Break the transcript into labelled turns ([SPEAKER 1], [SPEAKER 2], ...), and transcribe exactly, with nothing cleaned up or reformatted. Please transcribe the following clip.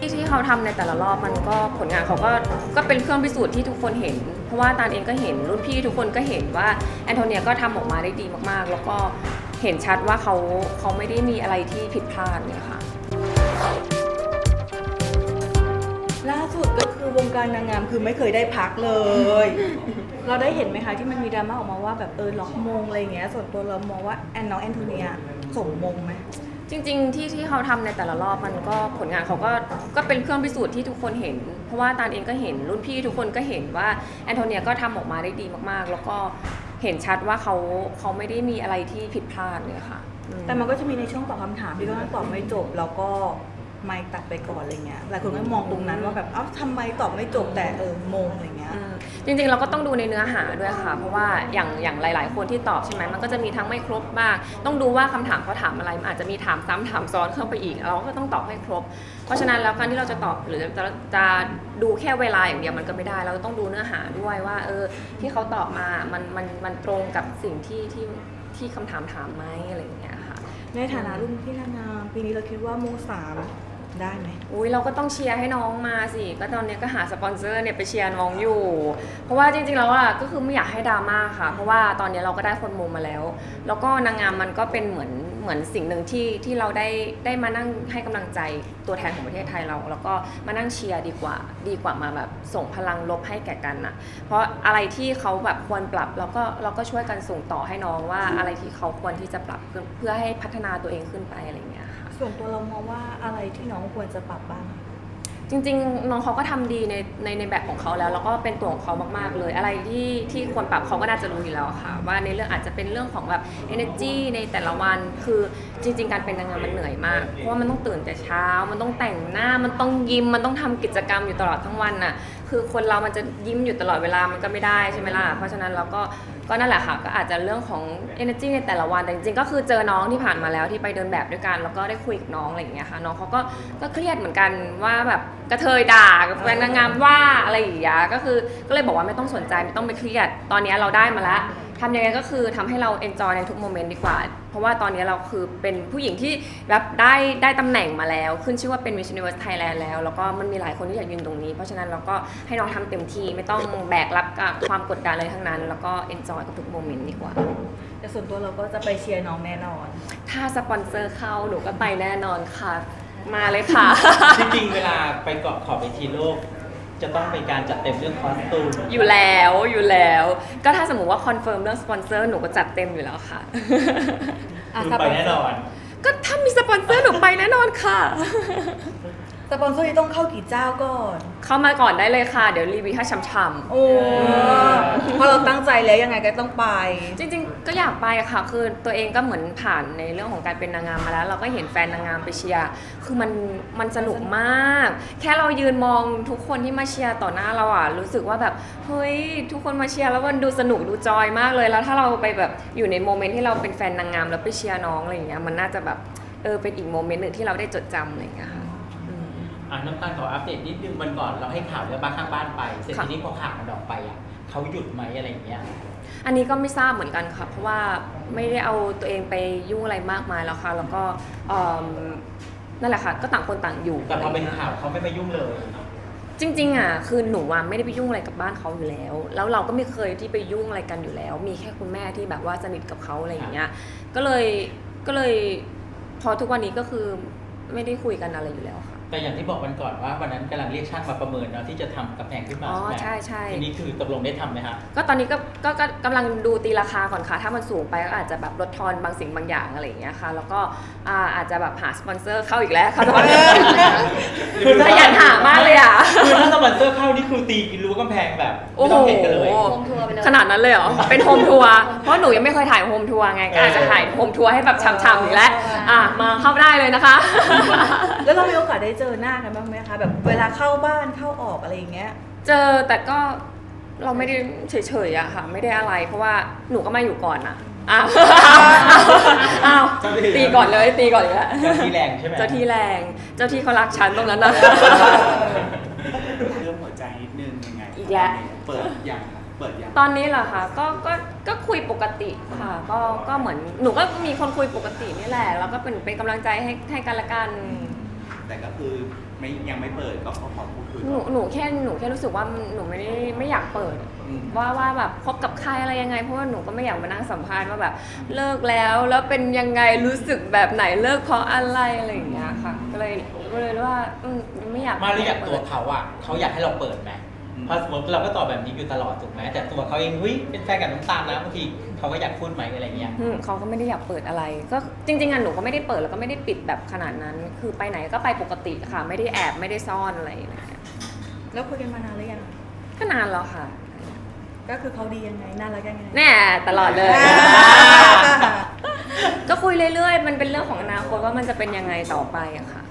[SPEAKER 1] ที่เขาทำในแต่ละรอบมันก็ผลงานเขาก็ก็เป็นเครื่องพิสูจน์ที่ทุกคนเห็นเพราะว่าตาลเองก็เห็นรุ่นพี่ทุกคนก็เห็นว่าแอนโทเนียก็ทำออกมาได้ดีมากๆแล้วก็เห็นชัดว่าเขาเขาไม่ได้มีอะไรที่ผิดพลาดเลยค่ะ
[SPEAKER 2] ล่าสุดก็คือวงการนางงามคือไม่เคยได้พักเลย เราได้เห็นไหมคะที่มันมีดราม่าออกมาว่าแบบเออล็อกมงอะไรอย่างเงี้ยส่วนตัวเรามองว่าแอนน้องแอนโทเนียส่งมงไหม
[SPEAKER 1] จริงๆที่ที่เขาทำในแต่ละรอบมันก็ผลงานเขาก็ก็เป็นเครื่องพิสูจน์ที่ทุกคนเห็นเพราะว่าตาลเองก็เห็นรุ่นพี่ทุกคนก็เห็นว่าแอนโทเนียก็ทำออกมาได้ดีมากๆแล้วก็เห็นชัดว่าเขาเขาไม่ได้มีอะไรที่ผิดพลาดเลยค่ะ
[SPEAKER 2] แต่มันก็จะมีในช่วงตอบคำถามที่ก็ตอบไม่จบแล้วก็ไม่ตัดไปก่อนอะไรเงี้ยหลายคนก็มองตรงนั้นว่าแบบเอ้าทำไมตอบไม่จบแต่เออมงอะไรเงี้ย
[SPEAKER 1] จริงๆเราก็ต้องดูในเนื้อหาด้วยค่ะเพราะว่าอย่างอย่างหลายๆคนที่ตอบใช่ไหมมันก็จะมีทั้งไม่ครบบ้างต้องดูว่าคำถามเขาถามอะไรมันอาจจะมีถามซ้ำถามซ้อนเข้าไปอีกเราก็ต้องตอบให้ครบเพราะฉะนั้นแล้วการที่เราจะตอบหรือจะจะดูแค่เวลาอย่างเดียวมันก็ไม่ได้เราต้องดูเนื้อหาด้วยว่าเออที่เขาตอบมามันมันมันตรงกับสิ่งที่ที่ที่คำถามถามไหมอะไรอย่างเงี้ยค่ะ
[SPEAKER 2] ในฐานะรุ่นพี่นางงามปีนี้เราคิดว่าโมสามได้ไหม
[SPEAKER 1] อุ้ยเราก็ต้องเชียร์ให้น้องมาสิก็ตอนนี้ก็หาสปอนเซอร์เนี่ยไปเชียร์น้องอยู่เพราะว่าจริงๆแล้วอ่ะก็คือไม่อยากให้ดราม่าค่ะเพราะว่าตอนนี้เราก็ได้คนมุมมาแล้วแล้วก็นางงามมันก็เป็นเหมือนเหมือนสิ่งหนึ่งที่ที่เราได้ได้มานั่งให้กำลังใจตัวแทนของประเทศไทยเราแล้วก็มานั่งเชียร์ดีกว่าดีกว่ามาแบบส่งพลังลบให้แก่กันนะเพราะอะไรที่เขาแบบควรปรับเราก็เราก็ช่วยกันส่งต่อให้น้องว่าอะไรที่เขาควรที่จะปรับเพื่อให้พัฒนาตัวเองขึ้นไปอะไรอย่างเงี้ย
[SPEAKER 2] ส่วนตัวเรามองว่าอะไรที่น้องควรจะปรับบ้าง
[SPEAKER 1] จริงๆน้องเขาก็ทำดีในในในแบบของเขาแล้วแล้วก็เป็นตัวของเขามากๆเลยอะไรที่ที่ควรปรับเขาก็น่าจะรู้อยู่แล้วค่ะว่าในเรื่องอาจจะเป็นเรื่องของแบบ energy ในแต่ละวันคือจริงๆการเป็นนางงามมันเหนื่อยมากเพราะว่ามันต้องตื่นแต่เช้ามันต้องแต่งหน้ามันต้องยิ้มมันต้องทำกิจกรรมอยู่ตลอดทั้งวันน่ะคือคนเรามันจะยิ้มอยู่ตลอดเวลามันก็ไม่ได้ใช่ไหมล่ะเพราะฉะนั้นเราก็ก็นั่นแหละค่ะก็อาจจะเรื่องของ energy ในแต่ละวันแต่จริงๆก็คือเจอน้องที่ผ่านมาแล้วที่ไปเดินแบบด้วยกันแล้วก็ได้คุยกับน้องอะไรอย่างเงี้ยค่ะน้องเขาก็ก็เครียดเหมือนกันว่าแบบกระเทยด่ากับแฟนนางงามว่าอะไรอย่างเงี้ยก็คือก็เลยบอกว่าไม่ต้องสนใจไม่ต้องไปเครียดตอนนี้เราได้มาแล้วทำยังไงก็คือทำให้เรา enjoy ในทุกโมเมนต์ดีกว่าเพราะว่าตอนนี้เราคือเป็นผู้หญิงที่รับได้ได้ตำแหน่งมาแล้วขึ้นชื่อว่าเป็น Miss Universe Thailand แล้วแล้วก็มันมีหลายคนที่อยากยืนตรงนี้เพราะฉะนั้นเราก็ให้น้องทำเต็มที่ไม่ต้องแบกรับกับความกดดันอะไรทั้งนั้นแล้วก็ enjoy กับทุกโมเมนต์ดีกว่า
[SPEAKER 2] แต่ส่วนตัวเราก็จะไปเชียร์น้องแน่นอน
[SPEAKER 1] ถ้าสปอนเซอร์เข้าหนูก็ไปแน่นอนค่ะมาเลยค่ะ
[SPEAKER 3] จริงๆเวลาไปเกาะขอบเวทีโลกจะต้องเป็นการจัดเต็มเรื่องคอสตูม
[SPEAKER 1] อยู่แล้วอยู่แล้วก็ถ้าสมมติว่าคอนเฟิร์มเรื่องสปอนเซอร์หนูก็จัดเต็มอยู่แล้วค่ะ
[SPEAKER 3] คือไปแน่นอน
[SPEAKER 1] ก็ถ้ามีสปอนเซอร์หนูไปแน่นอนค่ะ
[SPEAKER 2] สปอนเซอร์ต้องเข้ากี่เจ้าก่อน
[SPEAKER 1] เข้ามาก่อนได้เลยค่ะเดี๋ยวรีวิวให้ช่ำๆ
[SPEAKER 2] โอ้เพราะเราตั้งใจแล้วยังไงก็ต้องไป
[SPEAKER 1] จริงๆก็อยากไปอะค่ะคือตัวเองก็เหมือนผ่านในเรื่องของการเป็นนางงามมาแล้วเราก็เห็นแฟนนางงามไปเชียร์คือมันมันสนุกมากแค่เรายืนมองทุกคนที่มาเชียร์ต่อหน้าเราอะรู้สึกว่าแบบเฮ้ยทุกคนมาเชียร์แล้วมันดูสนุกดูจอยมากเลยแล้วถ้าเราไปแบบอยู่ในโมเมนต์ที่เราเป็นแฟนนางงามแล้วไปเชียร์น้องอะไรอย่างเงี้ยมันน่าจะแบบเออเป็นอีกโมเมนต์หนึ่งที่เราได้จดจำอะไรอย่างเงี้ยค่ะ
[SPEAKER 3] น้ำตาลขออัปเดตนิดนึงวันก่อนเราให้ข่าวเรื่องบ้านข้างบ้านไปเสร็จทีนี้พอข่าวมันออกไปอ่ะเขาหยุดไหมอะไรอย่างเงี้ย
[SPEAKER 1] อันนี้ก็ไม่ทราบเหมือนกันค่ะเพราะว่าไม่ได้เอาตัวเองไปยุ่งอะไรมากมายแล้วค่ะแล้วก็นั่นแหละค่ะก็ต่างคนต่างอยู่
[SPEAKER 3] แต่พอเป็นข่าวเขาไม่มายุ่งเลย
[SPEAKER 1] จริงๆอ่ะคือหนูว่าไม่ได้ไปยุ่งอะไรกับบ้านเขาอยู่แล้วแล้วเราก็ไม่เคยที่ไปยุ่งอะไรกันอยู่แล้วมีแค่คุณแม่ที่แบบว่าสนิทกับเขาอะไรอย่างเงี้ยก็เลยก็เลยพอทุกวันนี้ก็คือไม่ได้คุยกันอะไรอยู่แล้วค่ะ
[SPEAKER 3] แต่อย่างที่บอกวันก่อนว่าวันนั้นกำลังเรียกช่างมาประเมินเนาะที่จะทำกำแพงขึ้นมา
[SPEAKER 1] อ๋อใช่ใช่
[SPEAKER 3] ทีนี้คือตกลงได้ทำไหมคะ
[SPEAKER 1] ก็ตอนนี้ก็ก็กำลังดูตีราคาก่อนค่ะถ้ามันสูงไปก็อาจจะแบบลดทอนบางสิ่งบางอย่างอะไรอย่างเงี้ยค่ะแล้วก็อาจจะแบบหาสปอนเซอร์เข้าอีกแล้วค่ะสปอนเซอร์คือขยันหามากเลยอ่ะ
[SPEAKER 3] คือถ้าสปอนเซอร์เข้านี่คือตีรั้วกำแพงแบบไม่ต้องเห็นกันเลย
[SPEAKER 1] ขนาดนั้นเลยเหรอเป็นโฮมทัวร์เพราะหนูยังไม่เคยถ่ายโฮมทัวร์ไงก็อาจจะถ่ายโฮมทัวร์ให้แบบฉ่ำๆอีกแล้วอ่ะมาเข้าได้เลยนะคะ
[SPEAKER 2] แล้วเรามีโอกาสได้เจอหน้ากันบ้างไหมคะแบบเวลาเข้าบ้านเข้าออกอะไรอย่างเงี้ย
[SPEAKER 1] เจอแต่ก็เราไม่ได้เฉยๆอะค่ะไม่ได้อะไรเพราะว่าหนูก็มาอยู่ก่อนอะอ้าวอ้าวตีก่อนเลยตีก่อนเลย
[SPEAKER 3] เจ้าที่แรงใช่ไหม
[SPEAKER 1] เจ้าที่แรงเจ้าที่เขารักฉันตรงนั้นนะ
[SPEAKER 4] เรื่องหัวใจนิดนึงยังไง
[SPEAKER 1] อีกแล้ว
[SPEAKER 4] เปิดอย่างเปิดอย่าง
[SPEAKER 1] ตอนนี้เหรอคะก็ก็ก็คุยปกติค่ะก็ก็เหมือนหนูก็มีคนคุยปกตินี่แหละแล้วก็เป็นเป็นกำลังใจให้ให้กันละกัน
[SPEAKER 4] แต่ก็คือไม่ยังไม่เปิดก็ขอขอพูดคุย
[SPEAKER 1] หนู
[SPEAKER 4] ก่อน
[SPEAKER 1] หนูแค่หนูแค่รู้สึกว่าหนูไม่ได้ไม่อยากเปิด
[SPEAKER 4] อืม
[SPEAKER 1] ว่าว่าแบบคบกับใครอะไรยังไงเพราะว่าหนูก็ไม่อยากมานั่งสัมภาษณ์ว่าแบบเลิกแล้วแล้วเป็นยังไงรู้สึกแบบไหนเลิกเพราะอะไรอะไรอย่างเงี้ยค่ะก็เลยก็เลยว่าอืมไม่อยาก
[SPEAKER 3] มาเลยอยากตัว
[SPEAKER 1] ปิด
[SPEAKER 3] เขาอ่ะเขาอยากให้เราเปิดไหมเพราะสมมติเราก็ตอบแบบนี้อยู่ตลอดถูกไหมแต่ตัวเขาเองเฮ้ยเป็นแฟนกับน้ำตาลนะบางทีเขาก็อยากพูดไหมอะไรเงี้ย
[SPEAKER 1] อืมเขาก็ไม่ได้อยากเปิดอะไร ก็จริงๆอ่ะหนูก็ไม่ได้เปิดแล้วก็ไม่ได้ปิดแบบขนาดนั้น คือไปไหนก็ไปปกติค่ะ ไม่ได้แอบไม่ได้ซ่อนอะไรอย่างเงี้ย
[SPEAKER 2] แล้วคุยกันมานานหรือยัง
[SPEAKER 1] ก็นานแล้วค่ะ
[SPEAKER 2] ก็คือเขาดียังไงน่ารักยังไง
[SPEAKER 1] แน่ตลอดเลย
[SPEAKER 2] อ่า
[SPEAKER 1] ก็คุยเรื่อยๆ มันเป็นเรื่องของอนาคตว่ามันจะเป็นยังไงต่อไปอะค่ะ